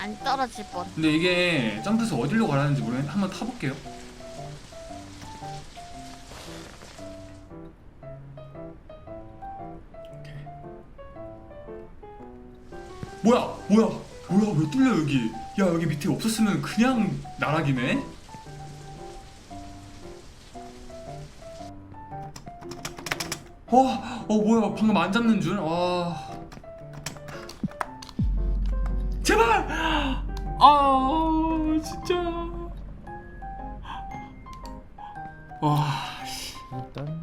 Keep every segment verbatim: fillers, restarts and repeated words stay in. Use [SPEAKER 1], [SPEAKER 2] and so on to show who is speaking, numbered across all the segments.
[SPEAKER 1] 안 떨어질 뻔.
[SPEAKER 2] 근데 이게 점프해서 어디로 가라는지 모르겠는데 한번 타볼게요. 오케이. 뭐야 뭐야 뭐야 왜 뚫려 여기. 야 여기 밑에 없었으면 그냥 나락이네. 어, 어 뭐야 방금 안 잡는 줄. 와 제발. 아 진짜. 와 씨.
[SPEAKER 3] 일단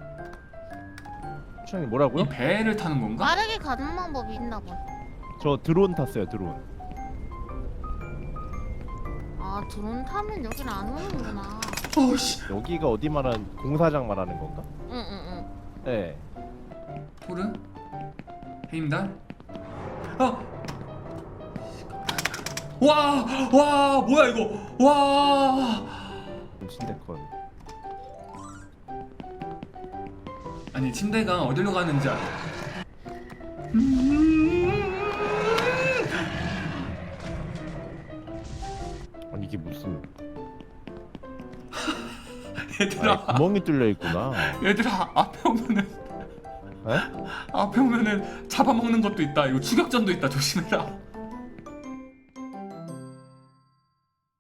[SPEAKER 3] 추장님 뭐라고요?
[SPEAKER 2] 이 배를 타는 건가?
[SPEAKER 1] 빠르게 가는 방법이 있나 봐.
[SPEAKER 3] 저 드론 탔어요 드론.
[SPEAKER 1] 아 드론 타면 여긴 안 오는구나.
[SPEAKER 2] 어씨.
[SPEAKER 3] 여기가 어디 말하는 공사장 말하는 건가?
[SPEAKER 1] 응응응.
[SPEAKER 3] 네.
[SPEAKER 2] 토르? 헤임달? 어! 와! 와! 뭐야 이거! 와!
[SPEAKER 3] 신데컨.
[SPEAKER 2] 아니 침대가 어디로 가는지 알아?
[SPEAKER 3] 아니 이게 무슨
[SPEAKER 2] 얘들아
[SPEAKER 3] 아니, 구멍이 뚫려 있구나.
[SPEAKER 2] 얘들아 앞에 오면은
[SPEAKER 3] 에?
[SPEAKER 2] 앞에 오면은 잡아먹는 것도 있다. 이거 추격전도 있다. 조심해라.